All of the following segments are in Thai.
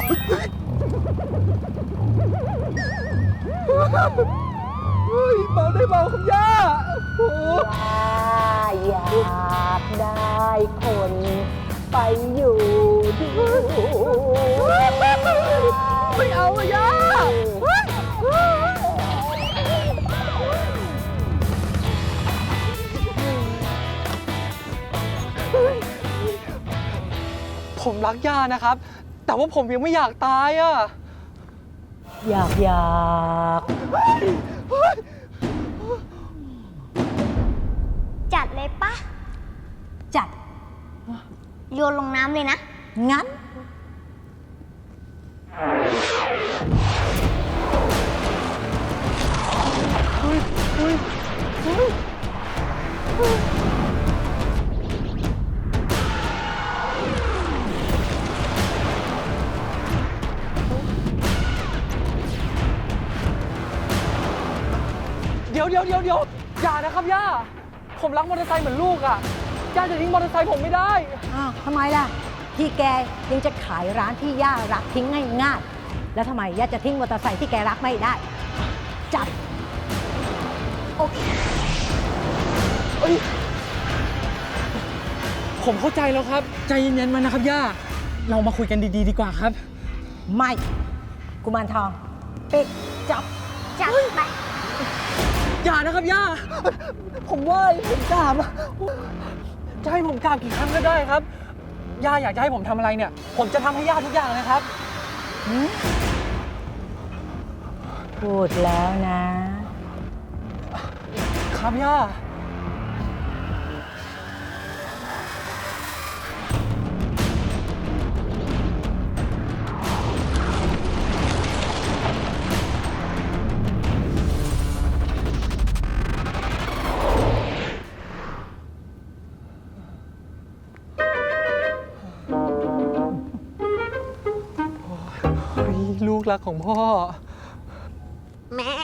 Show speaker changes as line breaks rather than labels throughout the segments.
เบาได้เบาคุณย่า
อยากได้คนไปอยู่ด้วย
ไม่เอาอะย่าผมรักย่านะครับแต่ว่าผมยังไม่อยากตายอะ
อยาก
จัดเลยปะ
จัด
โยนลงน้ำเลยนะ
งั้น
เดี๋ยวอย่านะครับย่าผมรักมอเตอร์ไซค์เหมือนลูกอ่ะย่าจะทิ้งมอเตอร์ไซค์ผมไม่ได้
อ้าวทำไมล่ะที่แกยังจะขายร้านที่ย่ารักทิ้งง่ายๆแล้วทำไมย่าจะทิ้งมอเตอร์ไซค์ที่แกรักไม่ได้จัด
โอเคผมเข้าใจแล้วครับใจเย็นๆมานะครับย่าเรามาคุยกันดีๆดีกว่าครับ
ไม่กุมารทองปิดจับ
ไป
อย่านะครับย่าผมว่าผมกราบจะให้ผมกราบกี่ครั้งก็ได้ครับย่าอยากจะให้ผมทำอะไรเนี่ยผมจะทำให้ย่าทุกอย่างเลยครับ
พูดแล้วนะครับ
ย่าลูกรักของพ่อแม่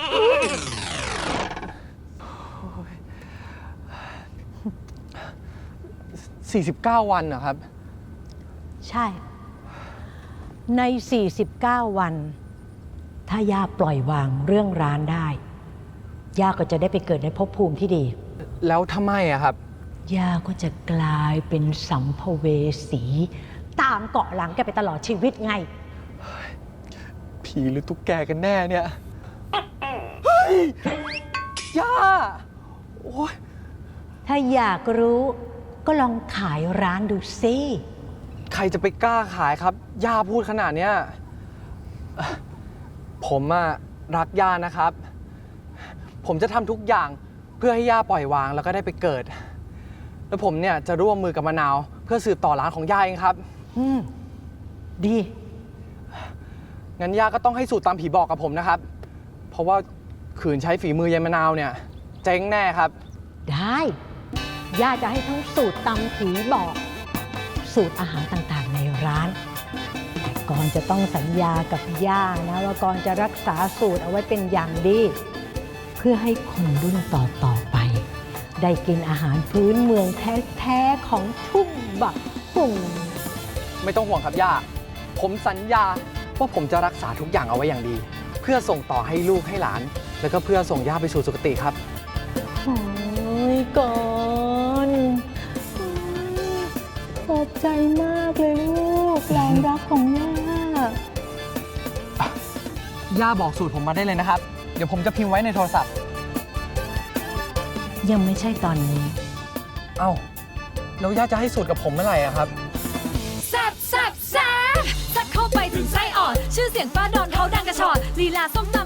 49 วันเหรอครับ
ใช่ใน49 วันถ้าย่าปล่อยวางเรื่องร้านได้ย่าก็จะได้ไปเกิดในภพภูมิที่ดี
แล้วถ้าไม่อะครับ
ย่าก็จะกลายเป็นสัมภเวสีตามเกาะหลังแกไปตลอดชีวิตไง
ผีหรือตุ๊กแกกันแน่เนี่ยเฮ้ยย่าโอ๊ย
ถ้าอยากรู้ก็ลองขายร้านดูสิ
ใครจะไปกล้าขายครับย่าพูดขนาดเนี้ยผมอะรักย่านะครับผมจะทำทุกอย่างเพื่อให้ย่าปล่อยวางแล้วก็ได้ไปเกิดแล้วผมเนี่ยจะร่วมมือกับมะนาวเพื่อสืบต่อร้านของย่าเองครับ
ดี
งั้นย่าก็ต้องให้สูตรตามผีบอกกับผมนะครับเพราะว่าขืนใช้ฝีมือยายมะนาวเนี่ยเจ๊งแน่ครับ
ได้ย่าจะให้ทั้งสูตรตำผีบอกสูตรอาหารต่างๆในร้านแต่ก่อนจะต้องสัญญากับย่านะว่าก่อนจะรักษาสูตรเอาไว้เป็นอย่างดีเพื่อให้คนรุ่นต่อไปได้กินอาหารพื้นเมืองแท้ๆของทุ่งบักปุ่ง
ไม่ต้องห่วงครับย่าผมสัญญาว่าผมจะรักษาทุกอย่างเอาไว้อย่างดีเพื่อส่งต่อให้ลูกให้หลานแล้วก็เพื่อส่งย่าไปสู่สุคติครับ
โอ้ยก่อนขอบใจมากเลยลูกหลานรักของ
ย่าบอกสูตรผมมาได้เลยนะครับเดี๋ยวผมจะพิมพ์ไว้ในโทรศัพท์
ยังไม่ใช่ตอนนี้
เอ้าแล้วย่าจะให้สูตรกับผมเมื่อไหร่อะครับ
แซ่บเข้าไปถึงไส้อ่อนชื่อเสียงป้าดอนเขาดังกระชอนลีลาส้มตำ